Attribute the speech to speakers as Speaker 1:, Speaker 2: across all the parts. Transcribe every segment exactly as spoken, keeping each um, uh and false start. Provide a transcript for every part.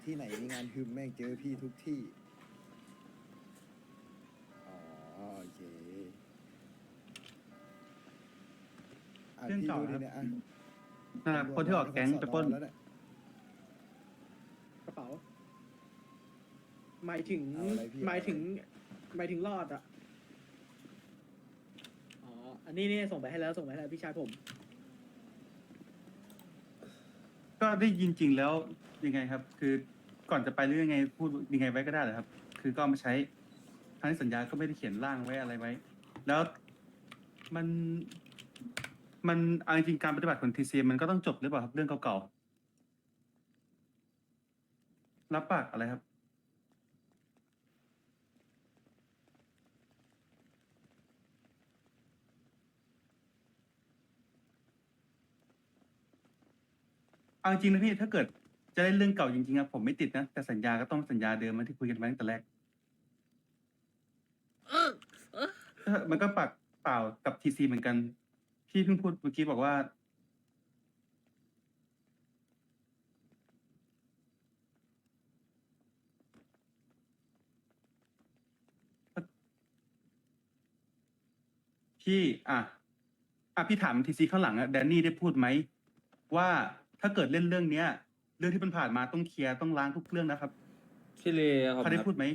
Speaker 1: ที่ไหนมีงานฮึมแม่งเจอพี่ทุกที่อ๋อโอเคอ่ะ
Speaker 2: เรื่อง
Speaker 1: พี่
Speaker 2: เก่า
Speaker 1: ดูดิ
Speaker 2: ครับ
Speaker 1: เนี่ยอ่ะ
Speaker 2: อ่าคนที่ออกแก๊งไปปล้น
Speaker 1: แล้วเนี่ย
Speaker 3: กระเป๋า หมายถึง
Speaker 1: เอาอะไรพี่
Speaker 3: หมายถึง
Speaker 1: เอ
Speaker 3: หมายถึงรอดอ่ะ อ๋อ อันนี้นี่ส่งไปให้แล้วส่งไปให้แล้วพี่ชายผม
Speaker 2: ก็ได้ยินจริงแล้วยังไงครับ คือก่อนจะไปหรือยังไงพูดยังไงไว้ก็ได้เหรอครับ คือก็เอามาใช้ทั้งที่สัญญาก็ไม่ได้เขียนร่างไว้อะไรไว้ แล้วมันมันเอาจริงๆการปฏิบัติของทีซีมันก็ต้องจบหรือเปล่าครับเรื่องเก่าๆรับปากอะไรครับ เอาจริงนะพี่ถ้าเกิดจะเล่นเรื่องเก่าจริงๆครับผมไม่ติดนะแต่สัญญาก็ต้องสัญญาเดิมมาที่คุยกันไว้ตั้งแต่แรกเออมันก็ปากเปล่ากับทีซีเหมือนกันพี่เพิ่งพูดเมื่อกี้บอกว่าพี่อ่ะอ่ะพี่ถามทีซีข้างหลังอะแดนนี่ได้พูดไหมว่าถ้าเกิดเล่นเรื่องเนี้ย เรื่องที่มันผ่านมาต้องเคลียร์ต้องล้างทุกเรื่องนะครับ
Speaker 4: พี่เลครับ
Speaker 2: เขาได้พูดไหม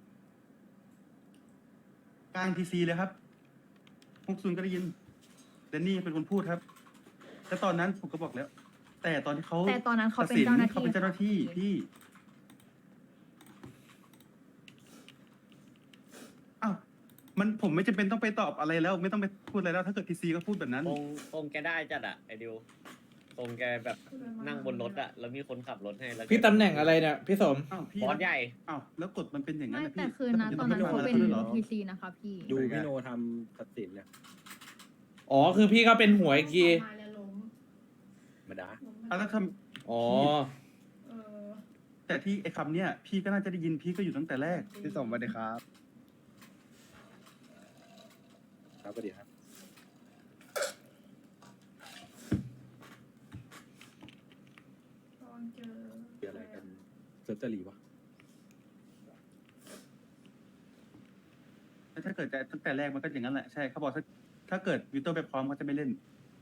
Speaker 2: กลางทีซีเลยครับพวกซุนก็ได้ยินแดนนี่เป็นคนพูดครับแล้วตอนนั้นผมก็บอกแล้ว แต่ตอนที่เขา
Speaker 5: แต่ตอนนั้นเขาเป็น
Speaker 2: ตัดสิ
Speaker 5: เจ้าหน้าที่
Speaker 2: เขาเป็นเจ้าหน้าที่
Speaker 5: ค่ะ
Speaker 2: พี่อ้าวมันผมไม่จำเป็นต้องไปตอบอะไรแล้ว ไม่ต้องไปพูดอะไรแล้ว ถ้าเกิดทีซีก็พูดแบบนั้น
Speaker 6: คงคงแกได้จัดอะไอดิวคงแกแบบนั่งบนรถอะแล้วมีคนขับรถให้แล้วแก
Speaker 4: พี่ตำแหน่งอะไรเนี่ยพี่สม
Speaker 2: อ้าวพี่
Speaker 6: บอสใหญ่
Speaker 2: อ้าวแล้วกฎมันเป็นอย่างนั้น
Speaker 5: ไม่
Speaker 2: นะพี่
Speaker 5: แต่คือนะ
Speaker 2: แล้ว
Speaker 5: ตอน
Speaker 2: ผม
Speaker 5: นั้น
Speaker 2: จะ
Speaker 5: เขา
Speaker 2: ต้อง
Speaker 5: เป็น
Speaker 2: ไปฟังอะไรด้วยเหรอ
Speaker 5: ทีซีนะคะพี่
Speaker 7: ดูพี่โนทำตัดสินเนี่ย
Speaker 4: อ๋อคือพี่ก็เป็นหัวอีกที
Speaker 7: มาดา
Speaker 2: อ่ะแล้วท
Speaker 4: อ๋อ
Speaker 2: ำแต่ที่ไอ้คำเนี้ยพี่ก็น่าจะได้ยินพี่ก็อยู่ตั้งแต่แรก
Speaker 1: พี่สมสวัสดีครับ
Speaker 7: ครับสวัสดีครับเกี่ยวอะไรกันเซิร์ฟเจอรีวะ
Speaker 2: ถ้าเกิดจะตั้งแต่แรกมันก็อย่างนั้นแหละใช่เขาบอกถ้าถ้าเกิดวิโต้ไปพร้อมเขาจะไม่เล่น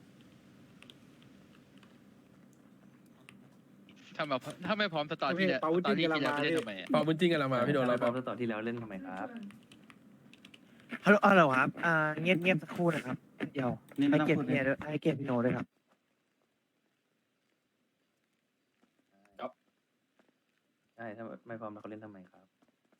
Speaker 8: ถ้ามาถ้าไม่พร้อมสตอรี่แล้ว
Speaker 7: เปา
Speaker 8: สตอ
Speaker 7: จิ้
Speaker 8: รี่
Speaker 7: นกำลั
Speaker 8: ที่
Speaker 7: ง
Speaker 8: แล้ว
Speaker 7: มา
Speaker 8: ไปเล่น
Speaker 7: พี่
Speaker 8: ทำไมอะ
Speaker 9: พอบุญจริงกันเรามาพี่โดนเรา
Speaker 4: พร้อมสตอที่แล้วเล่นทำไมครับ
Speaker 10: ฮัลโหลฮัลโหลครับ อ่า เงียบเงียบสักครู่นะครับ เดี๋ยว
Speaker 2: นี่ไม่
Speaker 10: ให้
Speaker 2: ต้อง
Speaker 10: เกียร
Speaker 2: พูด
Speaker 10: ติ
Speaker 2: เล
Speaker 10: เมีย
Speaker 2: ย
Speaker 10: ด้วยให้เกียรติพี่โนด้วยครับ
Speaker 4: ใช่ถ้าไม่พร้อมแล้วเขาเล่นทำไมครับ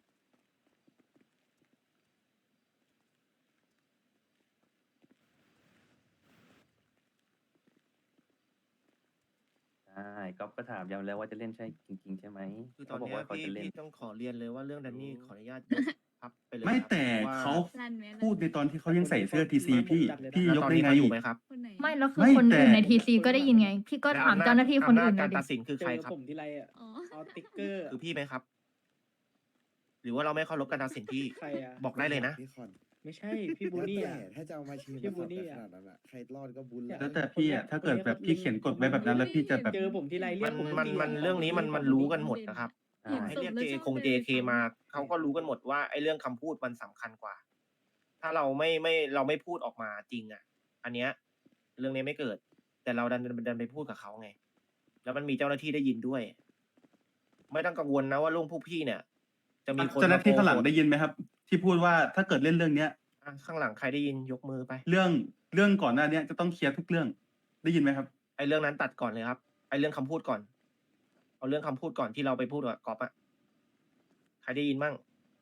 Speaker 4: ใช่ก๊อฟก็ถามย้ำแล้วว่าจะเล่นใช่จริงๆใช่ไหม
Speaker 10: คือตอน
Speaker 4: เขาบอก
Speaker 10: เนี้ย
Speaker 4: ว่าเขา
Speaker 10: พี่
Speaker 4: จะเล่น
Speaker 10: พี่ต้องขอเรียนเลยว่าเรื่องดันนี่ขออนุญาตยกพับไปเลย
Speaker 2: ไม่
Speaker 10: ครับ
Speaker 2: แต่
Speaker 10: พระว่
Speaker 2: เขา
Speaker 5: ลั่นไหม
Speaker 2: พูดในตอนที่เขายังใส่เสื้อทีซีพี่ พี่
Speaker 10: แล้ว
Speaker 2: ยก
Speaker 10: ตอน
Speaker 2: ได้
Speaker 10: นี้
Speaker 2: ไง
Speaker 10: เขาอยู่ไหมครับ
Speaker 5: ไม่แล้วคือ
Speaker 2: ไม่
Speaker 5: คน
Speaker 2: แต่
Speaker 5: อื่นในทีซีก็ได้ยินไง พี่ก็
Speaker 10: แล้ว
Speaker 5: ถาม
Speaker 10: อำจ
Speaker 5: เจ้าหน้าที่คนอื่น
Speaker 10: อำ
Speaker 5: เล
Speaker 10: จ
Speaker 5: ย
Speaker 10: การ
Speaker 5: ดิ
Speaker 10: ตัดสินคือ
Speaker 3: เจ
Speaker 10: ใคร
Speaker 3: อ
Speaker 10: ครับ
Speaker 3: ผมทีไรอ่ะ
Speaker 5: อ๋อ
Speaker 3: เอาติ๊กเกอร์
Speaker 10: คือพี่ไหมครับ หรือว่าเราไม่เคารพการตัดสินพี่
Speaker 3: ใครอ่ะ
Speaker 10: บอกได้เลยนะ
Speaker 1: พี่คอน
Speaker 3: ไม่ใช่ พี่บูนี่
Speaker 1: แล้ว
Speaker 3: อ่ะ
Speaker 1: แต่ถ้าจะเอามาชี้
Speaker 3: พี่
Speaker 1: มา
Speaker 3: บู
Speaker 1: สับ
Speaker 3: นี่
Speaker 1: กัน
Speaker 3: อะ
Speaker 1: ขนาดนั้นอะใครรอดก็บุญแหละ
Speaker 2: แล้วแต่พี่อ่ะถ้าเกิดแบบพี่เขียนกฎไว้แบบนั้น แล้วพี่จะแบบ
Speaker 3: เจอผมทีไรเรี
Speaker 10: มั
Speaker 3: ยก
Speaker 10: น
Speaker 3: ผม
Speaker 10: มันมันเรื่องนี้มันมันรู้กันหมดนะครับ
Speaker 4: อ่า
Speaker 10: ให้เรียกเจคงเจเคมาเขาก็รู้กันหมดว่าไอ้เรื่องคำพูดมันสำคัญกว่า ถ้าเราไม่ไม่เราไม่พูดออกมาจริงอ่ะ อันเนี้ยเรื่องนี้ไม่เกิด แต่เราดันดันไปพูดกับเขาไง แล้วมันมีเจ้าหน้าที่ได้ยินด้วย ไม่ต้องกังวลนะว่าลุงพวกพี่เนี่ย จะมีคน
Speaker 2: เจ้าหน้าที่ข้างหลัง
Speaker 10: มโก
Speaker 2: ได้ยินไหมครับ ที่พูดว่าถ้าเกิดเล่นเรื่องเนี้ย
Speaker 10: อ่ะข้างหลังใครได้ยินยกมือไป
Speaker 2: เรื่องเรื่องก่อนหน้าเนี้ยจะต้องเคลียร์ทุกเรื่อง ได้ยินไหมครับ
Speaker 10: ไอ้เรื่องนั้นตัดก่อนเลยครับ ไอ้เรื่องคำพูดก่อน เอาเรื่องคำพูดก่อนที่เราไปพูดกับก๊อฟอะใครได้ยินมั่ง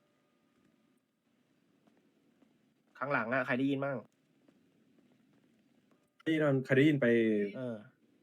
Speaker 10: ข้างหลังอะใครได้ยินมั่ง
Speaker 7: พี่นอนใครได้ยินไป
Speaker 10: เออ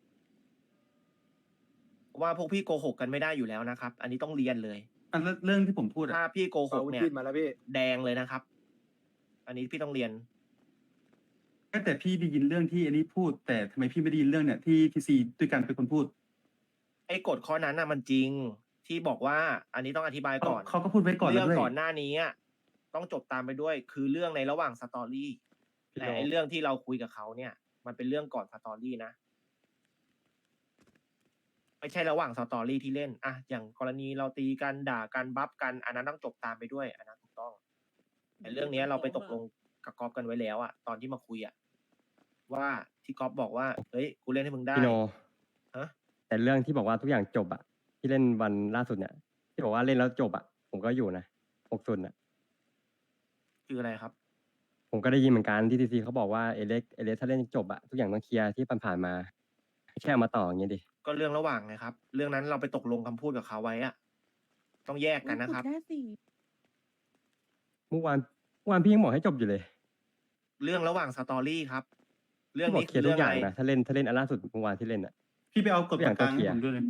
Speaker 10: ว่าพวกพี่โกหกกันไม่ได้อยู่แล้วนะครับ อันนี้ต้องเรียนเลย
Speaker 2: อันแล้วเรื่องที่ผมพูด
Speaker 10: ถ้า
Speaker 2: อ่ะ
Speaker 10: พี่โกห
Speaker 7: เปาก
Speaker 10: เนี่ย
Speaker 7: จิ้นมาแล้วพี่
Speaker 10: แดงเลยนะครับ อันนี้พี่ต้องเรียน
Speaker 2: แต่พี่ได้ยินเรื่องที่อันนี้พูด แต่ทำไมพี่ไม่ได้ยินเรื่องเนี่ยที่ทีซีด้วยกันเป็นคนพูด
Speaker 10: ไอ้กฎข้อนั้นน่ะมันจริงที่บอกว่า อันนี้ต้องอธิบายก่อน
Speaker 2: เขาก็พูดไว้ก่อนแล้
Speaker 10: เรื่
Speaker 2: ว
Speaker 10: อง
Speaker 2: ด้วย
Speaker 10: ก่อนหน้านี้อะต้องจบตามไปด้วย คือเรื่องในระหว่างสตอรี่แต่ไอ้เรื่องที่เราคุยกับเขาเนี่ย มันเป็นเรื่องก่อนสตอรี่นะไม่ใช่ระหว่างสตอรี่ที่เล่นอะอย่างกรณีเราตีกันด่ากันบัฟกันอันนั้นต้องจบตามไปด้วยอันนั้นถูกต้องแต่เรื่องเนี้ยเราไปตกลงกับก๊อฟกันไว้แล้วอะตอนที่มาคุยอะว่าที่ก๊อฟบอกว่าเฮ้ยกูเล่นให้มึงได้
Speaker 9: พี่โน
Speaker 10: ฮะ
Speaker 9: แต่เรื่องที่บอกว่าทุกอย่างจบอะที่เล่นวันล่าสุดเนี่ย ที่บอกว่าเล่นแล้วจบอะผมก็อยู่นะหกศูนย์อะ
Speaker 10: คืออะไรครับ
Speaker 9: ผมก็ได้ยินเหมือนกันที่ทีซีเขาบอกว่าเอเล็กเอเล็กถ้าเล่นจบอะทุกอย่างต้องเคลียร์ที่ผ่านๆมาแค่เอามาต่ออย่างเงี้ยดิ
Speaker 10: ก็เรื่องระหว่างไงครับ เรื่องนั้นเราไปตกลงคำพูดกับเขาไว้อะต้องแยกกันนะครับ
Speaker 9: เมื่อวานเมื่อวานพี่ยังบอกให้จบอยู่เลย
Speaker 10: เรื่องระหว่างสตอรี่ครับ เรื่อง
Speaker 9: พี่บอก
Speaker 10: นี้
Speaker 9: เค
Speaker 10: คื
Speaker 9: ลีย
Speaker 10: อ
Speaker 9: ร์ทุ
Speaker 10: เรื่
Speaker 9: ก
Speaker 10: อง
Speaker 9: อย่าง
Speaker 10: อะไร
Speaker 9: นะถ้าเล่นถ้าเล่นอันล่าสุดเมื่อวานที่เล่นอะ
Speaker 2: พี่ไปเอากฎ
Speaker 9: ทุกอย่าง
Speaker 2: กลาง
Speaker 9: ต้องเคลี
Speaker 2: ให้
Speaker 9: ยร์
Speaker 2: ผมด้วยเลย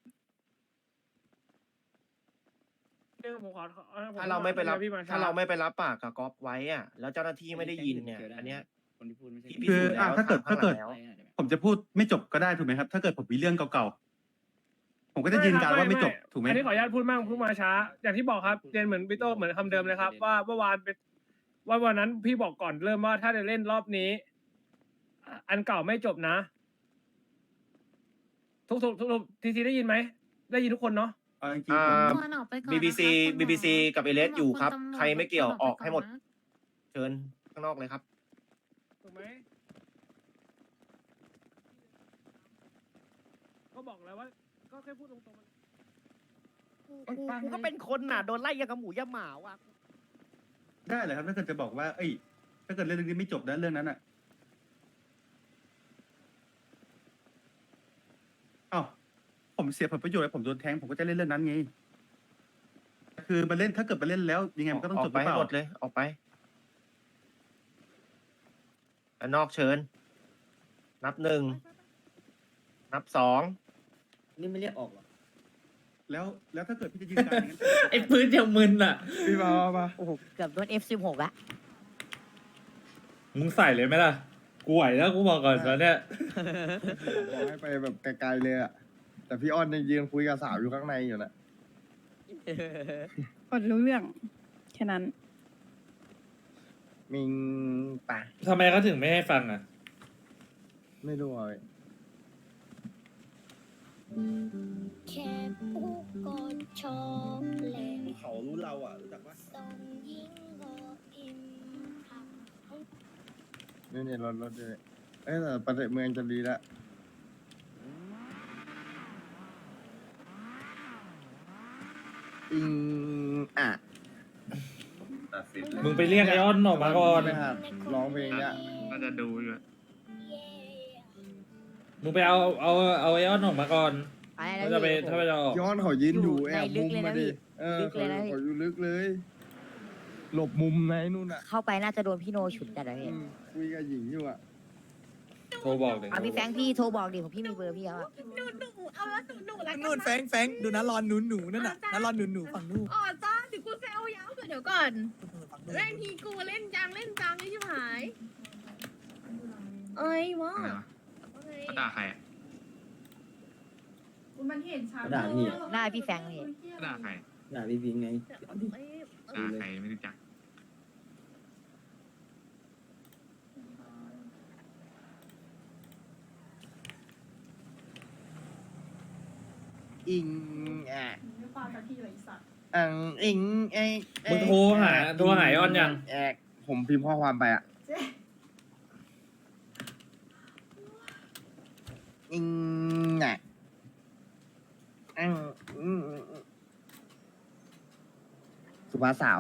Speaker 3: เรื่องผมขอ
Speaker 10: ถ้าเราไม่ไปรับ
Speaker 3: พี่มา
Speaker 10: ถ้าเราไม่ไปรับปากกับก๊อฟไว้อะแล้วเจ้าหน้าที่ไม่ได้ยินเนี่ย อันเนี้ย
Speaker 6: คนที่พูดไม่ใช่
Speaker 10: พี่พิ
Speaker 2: คือ
Speaker 10: สูจน์
Speaker 2: อ่ะ
Speaker 10: แล้ว
Speaker 2: ถ้าเกิด
Speaker 10: ถาม
Speaker 2: ถ้าเกิด
Speaker 10: ข้างหลังแล้ว
Speaker 2: ผมจะพูดไม่จบก็ได้ถูกไหมครับ ถ้าเกิดผมมีเรื่องเก่าๆผมก็จะยืนการว่าไม่จบถูกไหม
Speaker 3: อันนี้ขออนุญาตพูดมั่งพูดมาช้า อย่างที่บอกครับเรียนเหมือนพี่โตเหมือนคำเดิมเลยครับ ว่าเมื่อวานเป็นว่าวันนั้นพี่บอกก่อนเริ่มว่าถ้าจะเล่นรอบนี้ อันเก่าไม่จบนะ ทุกทุกทุกทีทีได้ยินไหมได้ยินทุกคนเนาะ
Speaker 2: เอาจริง
Speaker 10: อ่
Speaker 2: ๆผม
Speaker 10: า
Speaker 5: ออกไปก่อน
Speaker 10: บี บี ซี
Speaker 5: นะคะคุณหมอ
Speaker 10: บี บี ซี กับเอเลสอยู่ครับ
Speaker 5: ณตำวจ
Speaker 10: ใครไม่เกี่ยว
Speaker 5: คุณ
Speaker 10: ออกให้หมด
Speaker 5: นะ
Speaker 10: เชิญข้างนอกเลยครับ
Speaker 3: ถูกไหมก็บอกแล้วว่า ก็แค่พูดตรงๆ
Speaker 6: กูก็เป็นคนน่ะโดนไล่ยังกับหมูยะหมาว่ะ
Speaker 2: ได้เลยครับถ้าเกิดจะบอกว่า เอ้ย ถ้าเกิดเรื่องนี้ไม่จบนะเรื่องนั้นอ่ะเอ้าผมเสียผลประโยชน์ผมโดนแทงผมก็จะเล่นเรื่องนั้นไงคือมาเล่นถ้าเกิดมาเล่นแล้วยังไงมันก็ต้อง
Speaker 10: อ
Speaker 2: จ
Speaker 10: อบ ก
Speaker 2: ห
Speaker 10: ไป
Speaker 2: รือเป
Speaker 10: ให้
Speaker 2: ล่า
Speaker 10: หมดเลย ออกไปอันนอกเชิญ นับหนึ่ง นับสอง
Speaker 1: นี่ไม่เรียกออกหรอ
Speaker 2: แล้วแล้วถ้าเกิดพี่จะยืนการอย่างนั้น
Speaker 6: ไอ้พื้นยังมึนอ่ะ
Speaker 1: พี่มามามา
Speaker 11: โอ้โหเกือบโดน เอฟ สิบหก ละ
Speaker 6: มึงใส่เลยไหมล่ะ กูไหวแล้วกูบอกก่อนตอนเนี้ย
Speaker 1: บอกให้ไปแบบไกลๆเลยอะแต่พี่อ้อนยังยืนคุยกับสาวอยู่ข้างในอยู่นะ
Speaker 11: กดรู้เรื่อง แค่นั้น
Speaker 1: มิงป่ะ
Speaker 6: ทำไมเขาถึงไม่ให้ฟังอ่ะ
Speaker 1: ไม่รู้อ่ะ
Speaker 12: แค่ผู้กดชอบเล่น
Speaker 1: เขารู้เราอ่ะรู้จักปะ
Speaker 12: ส่งยิงก็พิมพ์
Speaker 1: นี่นี่รถรถเลยเอ้ยแต่ประเทศเมืองจะดีละอิงอ่ะ
Speaker 6: มึงไปเรียกไอออนออกมาก่อน
Speaker 1: ไม่หัดร้องเพลงเนี้ย
Speaker 8: น่าจะดูอยู่
Speaker 12: เย่
Speaker 6: มึงไปเอาเอาเอาไอออนออกมาก่อน
Speaker 11: ไปแล้
Speaker 6: ถ้าว จะไป
Speaker 11: พี่
Speaker 6: ถ้าไปจะออก
Speaker 1: ย้อนเขายืนอยู่
Speaker 11: อยู่
Speaker 1: แอบ
Speaker 11: ในลึ
Speaker 1: มุ
Speaker 11: ก
Speaker 1: ม
Speaker 11: เลยนะ
Speaker 1: มาดิ
Speaker 11: พี่
Speaker 1: เออ
Speaker 11: ลึก
Speaker 1: เขา
Speaker 11: เลยนะพี่
Speaker 1: เขาอยู่ลึกเลย หลบมุมไหนนู่นอ่ะ
Speaker 11: เข้าไปน่าจะโดนพี่โนฉุดจัดเลย
Speaker 1: อืมคุยกับหญิงอยู่อ่ะ
Speaker 6: โทรบอกเลย
Speaker 11: เอาพี่แฟรงค์พี่โทรบอกดิผมพี่มีเบอร์พี่แล้วอะ
Speaker 12: หนูหนูเอาละหนูหนูละ
Speaker 13: นู่นแฟงแฟงดูนะรอนหนูหนูนั่นน่ะนะรอนหนูหนูฝั่งนู้น
Speaker 12: อ๋อจ้าถึงกูเซลยาวเดี๋ยวก่อน
Speaker 13: ฝั่งนู้น
Speaker 12: เล่นทีกูเล่นจังเล่นจังนี่ชิบหาย เอ้ยวะ
Speaker 8: เขาด่าใคร
Speaker 5: มันเห็นชัด
Speaker 1: ด่าพี่
Speaker 11: หน้าพี่แฟรงค์นี่
Speaker 8: ด่าใคร
Speaker 1: ด่าพี่พิงไง
Speaker 8: ด่าใครไม่รู้จัก
Speaker 1: อิงอ่ะ
Speaker 5: ไม่ฟังจากพี่เลยสัตว์
Speaker 1: อังอิงไอ
Speaker 6: มึงโทรหาโทรหาไอออนยัง
Speaker 1: แอกผมพิมพ์ข้อความไปอ่ะ อิงอ่ะอังอืมอืมอืมสุภาพสาว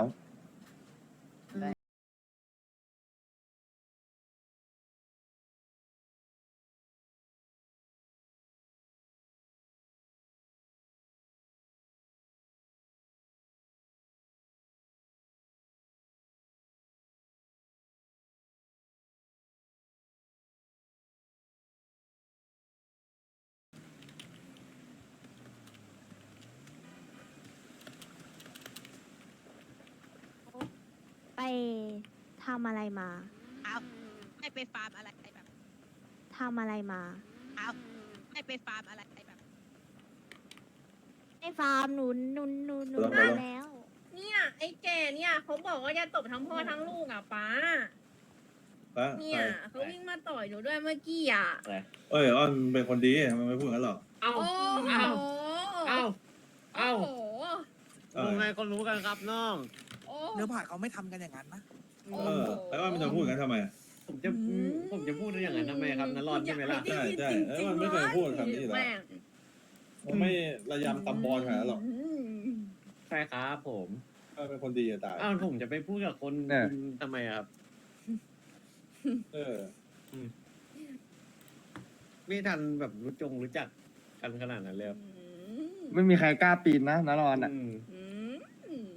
Speaker 12: ไปทำอะไรมา
Speaker 11: เอาไม่ไปฟาร์มอะไรแบบ
Speaker 12: ทำอะไรมา
Speaker 11: เอาไม่ไปฟาร์มอะไรแบบ
Speaker 12: ไอ้ฟาร์มหนูหนูหนูหนู
Speaker 1: ลงไป
Speaker 12: มา
Speaker 1: ลง
Speaker 12: แล้ว
Speaker 5: เนี่ยไอ้แก่เนี่ยเขาบอกว่าจะตบทั้งพ่อทั้งลูกอ่ะป้า
Speaker 12: เนี่ยเขาวิ่งมาต่อยหนูด้วยเมื่อกี้อ่ะ
Speaker 6: อะไร
Speaker 7: เอ้ยอ้อนเป็นคนดีมันไม่พูดงั้นหรอก
Speaker 6: เอ้า
Speaker 12: โอ้โห
Speaker 6: เอ้าเอ้าเอ้า
Speaker 12: โอ้โห
Speaker 6: ลุงไงก็รู้กันครับน้อง
Speaker 12: โอ้
Speaker 13: เนื้อผ่าเขาไม่ทำกันอย่างนั้นนะ
Speaker 12: โอ้
Speaker 7: เออแล้วอ้อนมันจะพูดงั้นทำไม
Speaker 6: ผมจะผมจะพูดได้อย่างนั้นทำไมครับนั่นรอดใช่ไหมล่ะ
Speaker 7: ใช่ใช่เออมันไม่เคยพูดคำนี้อยู่แล้ว
Speaker 12: แม่ง
Speaker 7: มันไม่ระยำตำบอลขนาดนั้นหรอก
Speaker 6: ใช่ครับผม
Speaker 7: เออเป็นคนดีจะตาย
Speaker 6: อ้าวผมจะไปพูดกับคน
Speaker 1: เนี่ย
Speaker 6: ทำไมอะครับ
Speaker 7: เออ
Speaker 6: ไม่ทันแบบรู้จงรู้จักกันขนาดนั้นเลยครับ
Speaker 1: ไม่มีใครกล้าปีนนะนารอนอ่ะ
Speaker 6: อืม
Speaker 12: อืม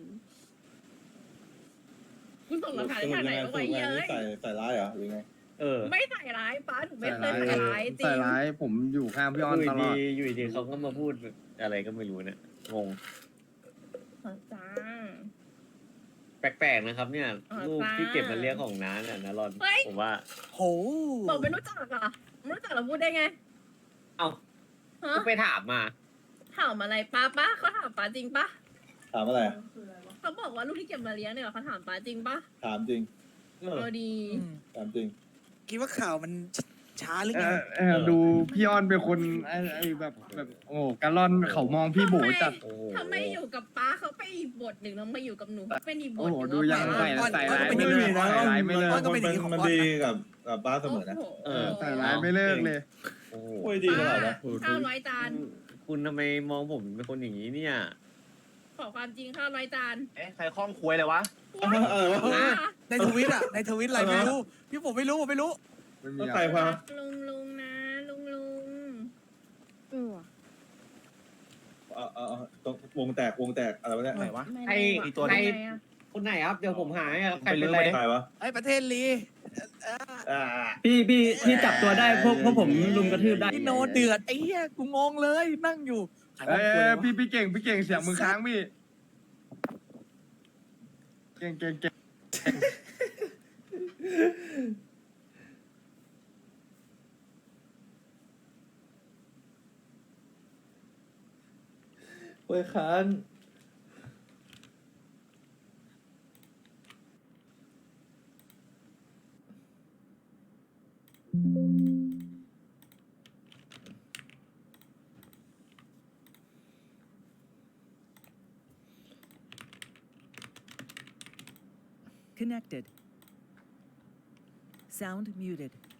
Speaker 12: คุณส่งหลักฐาน
Speaker 7: สรุ
Speaker 12: ทา
Speaker 7: ป
Speaker 12: งไหน
Speaker 7: ยังไง
Speaker 12: เอา
Speaker 7: ส
Speaker 12: ไว้
Speaker 7: รุปยังไง
Speaker 12: เยอะ
Speaker 7: ใส่ใส่ร้ายเหรอหรือไง
Speaker 6: เออ
Speaker 12: ไม่ใส่ร้ายป้าหนูไม่
Speaker 1: ใส่
Speaker 12: เคย
Speaker 1: ร้าย
Speaker 12: ใส่ร้ายจริ
Speaker 1: ใส่
Speaker 12: ง
Speaker 1: ร้ายผมอยู่ข้างพี่ออน
Speaker 6: อยู่
Speaker 1: ตลอ
Speaker 6: ดี
Speaker 1: ด
Speaker 6: อยู่ดีเขาก็มาพูดอะไรก็ไม่รู้เนี่ยงง
Speaker 12: จ้า
Speaker 6: แปลกๆนะครับ เนี่ย
Speaker 12: อ๋อ
Speaker 6: รูป
Speaker 12: จ้า
Speaker 6: ที่เก็บมาเรียกของน้าเนี่ยนะรอน
Speaker 12: เฮ้ย
Speaker 6: ผมว่า
Speaker 13: โห
Speaker 12: บอกไม่รู้จักเหรอ่ะไม่รู้จักเราพูดได้ไง
Speaker 6: เอ้า
Speaker 12: ฮะ
Speaker 6: ก็ไปถามมา
Speaker 12: ถามอะไรป้าป้าเขาถามป้าจริงปะ
Speaker 7: ถามอะไร
Speaker 12: เขาบอกว่าลูกที่เก็บมาเลี้ยงเนี่ยเขาถามป้าจริงปะ
Speaker 7: ถามจริง
Speaker 6: เออ
Speaker 12: เออดี
Speaker 7: ถามจริง
Speaker 13: คิดว่าข่าวมันช้าหรือ
Speaker 1: เอ
Speaker 13: ไง
Speaker 1: อเออดูพี่ออนเป็นคนไอ้ไอ้แบบแบบโอ้กะล่อนเขามองพี่โบจัด
Speaker 6: โอ้โห
Speaker 12: ถ้าไม่อยู่กับป้าเขาไปอีกบทหนึ่งแล้วมาอยู่กับหนูเขาเป็นอีกบ
Speaker 1: โอ้
Speaker 12: ท
Speaker 1: โห
Speaker 12: หนึ่ง
Speaker 1: ดูยัง
Speaker 12: แล้ว
Speaker 1: ใส่
Speaker 12: ป้า
Speaker 1: ใส่ร้าย
Speaker 13: ไม่
Speaker 1: ไม่
Speaker 13: มี
Speaker 1: เลิก
Speaker 7: นะ
Speaker 1: ใส่ร้ายไม่เลิก
Speaker 13: อ้อนก็เป็นอย่างนี้ของ
Speaker 7: มัน
Speaker 13: อ้อน
Speaker 7: ดี
Speaker 13: นะ
Speaker 7: กับกับป้าเสมอนะ
Speaker 12: โอ้โห
Speaker 6: เออ
Speaker 1: ใส่ร้ายไม่เลิกเลย
Speaker 6: โอ้โห
Speaker 7: โอ้ยดีตลอดนะ
Speaker 12: ข้าวร้อยจาน
Speaker 6: คุณทำไมมองผมเป็นคนอย่างนี้เนี่ย
Speaker 12: ขอความจริงข้าวร้อยจาน
Speaker 10: เอ๊ะใครคล้องควยเลยวะ
Speaker 7: เออวะ
Speaker 12: ว้า
Speaker 13: ในทวิตอ่ะ ในทวิตอะไรไม่รู้ พี่ผมไม่รู้ผมไม่รู้
Speaker 1: ไม่มี
Speaker 7: แล้ว
Speaker 1: อะ
Speaker 7: ใคร
Speaker 1: ไร
Speaker 7: พา
Speaker 12: ลุงลุงนะลุงลุง
Speaker 7: เออเออเออตรงวงแตกวงแตกอะไรวะเนี่ย
Speaker 10: ไหนวะ
Speaker 12: ไม่
Speaker 6: ไอ้
Speaker 12: รู้
Speaker 10: อีตัว
Speaker 12: อะ
Speaker 10: นี้
Speaker 12: ทำไมอะ
Speaker 6: คนไหนครับ เดี๋ยวผมหาให้ครับใคร
Speaker 10: ไปลื
Speaker 6: เป็น
Speaker 10: ม
Speaker 6: ไร
Speaker 10: ไปดิ
Speaker 7: ใครวะ
Speaker 13: ไอ้ประเทศลี
Speaker 7: อ่า
Speaker 9: พี่พี่พี่จับตัวได้พวกพวกผมลุมกระทืบได้
Speaker 13: พี่โนเดือดไอ้เหี้ยกูงงเลย นั่งอยู่ใคร
Speaker 1: เอ้
Speaker 13: ว่าย คุยวะ
Speaker 1: พี่พี่เก่งพี่เก่งเสียงมือค้างพี่เก่งเก่งเก่ง
Speaker 7: เว้ยค้าน
Speaker 14: Connected. Sound muted.